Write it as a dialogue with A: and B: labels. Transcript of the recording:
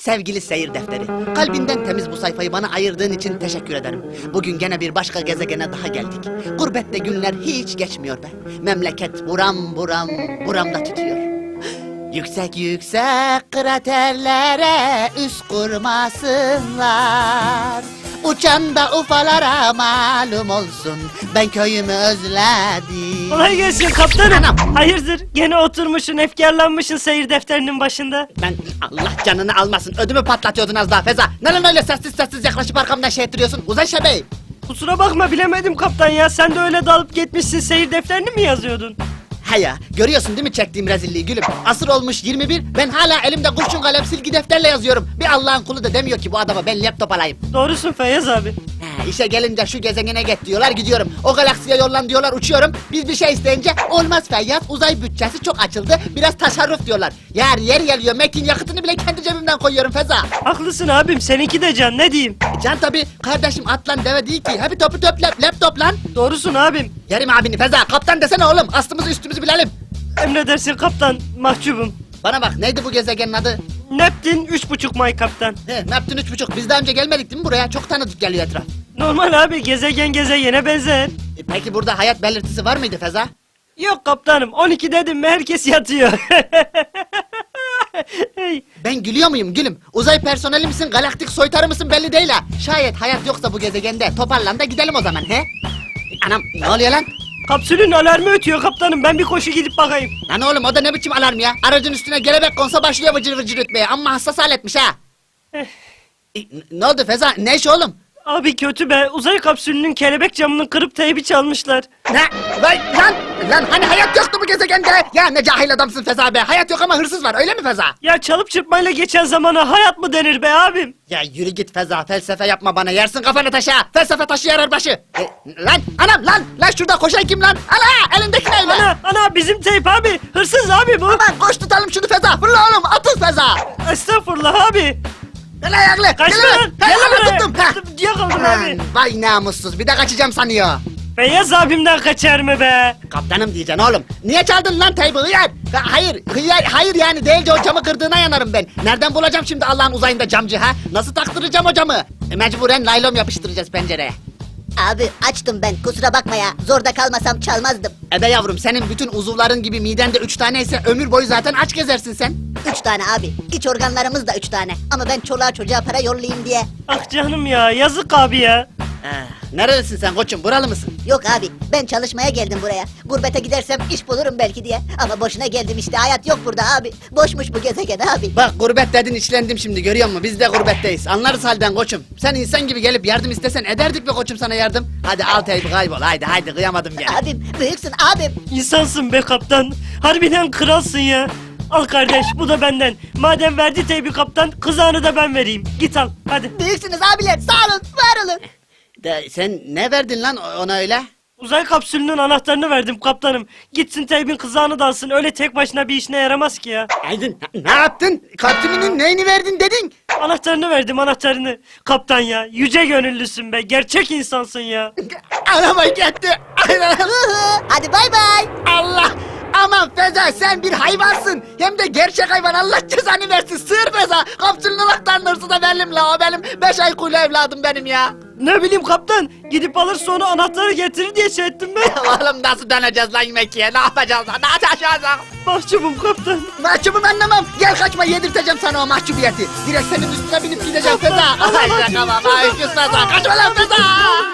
A: Sevgili seyir defteri, kalbinden temiz bu sayfayı bana ayırdığın için teşekkür ederim. Bugün gene bir başka gezegene daha geldik. Gurbette günler hiç geçmiyor be. Memleket buram buram buramda tutuyor. Yüksek yüksek kraterlere üst kurmasınlar. Uçan da ufalara malum olsun. Ben köyümü özledim.
B: Kolay gelsin kaptanım.
A: Anam.
B: Hayırdır? Gene oturmuşsun, efkarlanmışsın seyir defterinin başında.
A: Ben Allah canını almasın. Ödümü patlatıyordun az daha Feza. Neden öyle sessiz sessiz yaklaşıp arkamdan şey ettiriyorsun? Uzay şebeği.
B: Kusura bakma bilemedim kaptan ya. Sen de öyle dalıp gitmişsin seyir defterini mi yazıyordun?
A: He ya, görüyorsun değil mi çektiğim rezilliği gülüm? Asır olmuş 21, ben hala elimde kurşun kalem silgi defterle yazıyorum. Bir Allah'ın kulu da demiyor ki bu adama ben laptop alayım.
B: Doğrusun Feyyaz abi.
A: He, işe gelince şu gezegene git diyorlar gidiyorum. O galaksiye yollan diyorlar uçuyorum. Biz bir şey isteyince olmaz Feyyaz, uzay bütçesi çok açıldı. Biraz tasarruf diyorlar. Yer geliyor, Mekin yakıtını bile kendi cebimden koyuyorum Feza.
B: Haklısın abim, seninki de can, ne diyeyim?
A: Can tabi, kardeşim atlan deve değil ki. Hadi topu top laptop lan.
B: Doğrusun abim.
A: Yerim abini Feza, kaptan desene oğlum. Aslımızı üstümüzü bilelim.
B: Emredersin kaptan, mahcubum.
A: Bana bak, neydi bu gezegenin adı?
B: Neptün 3,5 may kaptan.
A: He, Neptün 3,5. Biz daha önce gelmedik değil mi buraya? Çok tanıdık geliyor etraf.
B: Normal abi, gezegen gezegene benzer.
A: Peki burada hayat belirtisi var mıydı Feza?
B: Yok kaptanım, 12 dedim mi herkes yatıyor. Hey,
A: Ben gülüyor muyum gülüm? Uzay personeli misin, galaktik soytarı mısın belli değil ha. Şayet hayat yoksa bu gezegende toparlan da gidelim o zaman he? Anam ne oluyor lan?
B: kapsülün alarmı ötüyor kaptanım, ben bir koşu gidip bakayım.
A: Lan oğlum o da ne biçim alarm ya? Aracın üstüne gelebek konsa başlıyor vıcır vıcır ötmeye. Amma hassas aletmiş ha.
B: Eh.
A: Ne oldu Feza? Ne iş oğlum?
B: Abi kötü be, uzay kapsülünün kelebek camını kırıp teybi çalmışlar.
A: Ne? Vay lan hani hayat yoktu bu gezegende? Ya ne cahil adamsın Feza be. Hayat yok ama hırsız var öyle mi Feza?
B: Ya çalıp çırpmayla geçen zamana hayat mı denir be abim?
A: Ya yürü git Feza, felsefe yapma bana, yersin kafanı taşa. Felsefe taşı yarar başı. Lan anam lan şurada koşan kim lan? Ana elindeki ne lan?
B: Ana bizim teyp abi, hırsız abi bu.
A: Aman koş tutalım şunu Feza, fırla oğlum atıl Feza.
B: Estağfurullah abi.
A: Gel ayaklı.
B: Kaçma
A: gel
B: lan,
A: Gel
B: gel
A: lan
B: buraya.
A: tuttum. Ha.
B: Yakaladım abi.
A: Vay namussuz, bir de kaçacağım sanıyor.
B: Feyyaz abimden kaçar mı be?
A: Kaptanım diyeceksin oğlum. Niye çaldın lan teybi hıyar? Hayır yani değilce o camı kırdığına yanarım ben. Nereden bulacağım şimdi Allah'ın uzayında camcı ha? Nasıl taktıracağım o camı? Mecburen naylon yapıştıracağız pencereye.
C: Abi açtım ben, kusura bakma ya. Zorda kalmasam çalmazdım.
A: Ebe yavrum, senin bütün uzuvların gibi midende 3 tane ise ömür boyu zaten aç gezersin sen.
C: 3 tane abi. İç organlarımız da 3 tane. Ama ben çoluğa çocuğa para yollayayım diye.
B: Ah canım ya, yazık abi ya.
A: Nerelisin sen koçum, buralı mısın?
C: Yok abi, ben çalışmaya geldim buraya. Gurbete gidersem iş bulurum belki diye. Ama boşuna geldim işte, hayat yok burada abi. Boşmuş bu gezegen abi.
A: Bak gurbet dedin, içlendim şimdi, görüyor musun? Biz de gurbetteyiz. Anlarız halden koçum. Sen insan gibi gelip yardım istesen ederdik be koçum sana yardım. Hadi al teybi kaybol, haydi kıyamadım gel.
C: Abim, büyüksün abim.
B: İnsansın be kaptan. Harbiden kralsın ya. Al kardeş, bu da benden. Madem verdi teybi kaptan, kızağını da ben vereyim. Git al, hadi.
C: Büyüksünüz abiler, sağ olun, var olun.
A: Sen ne verdin lan ona öyle?
B: Uzay kapsülünün anahtarını verdim kaptanım. Gitsin teybin kızağını da alsın. Öyle tek başına bir işine yaramaz ki ya.
A: Aydın ne yaptın? Kaptümünün neyini verdin dedin?
B: Anahtarını verdim, anahtarını. Kaptan ya, yüce gönüllüsün be. Gerçek insansın ya.
A: Araba gitti.
C: Hadi bay bay.
A: Allah! Aman Feza, sen bir hayvansın. Hem de gerçek hayvan, Allah cezanı versin. Sığır Feza. Kapsülün anahtarının hırsı da benim la. O benim 5 ay kuyulu evladım benim ya.
B: Ne bileyim kaptan. Gidip alır sonra anahtarı getirir diye şey ettim ben.
A: Oğlum nasıl döneceğiz lan yemekiye? Ne yapacağız lan? Ne yapacağız lan?
B: Mahcubum kaptan.
A: Mahcubum anlamam. Gel kaçma, yedirteceğim sana o mahcubiyeti. Direkt senin üstüne binip gideceğim Feza. Ay tamam. Ay kız Feza. Kaçma lan Feza.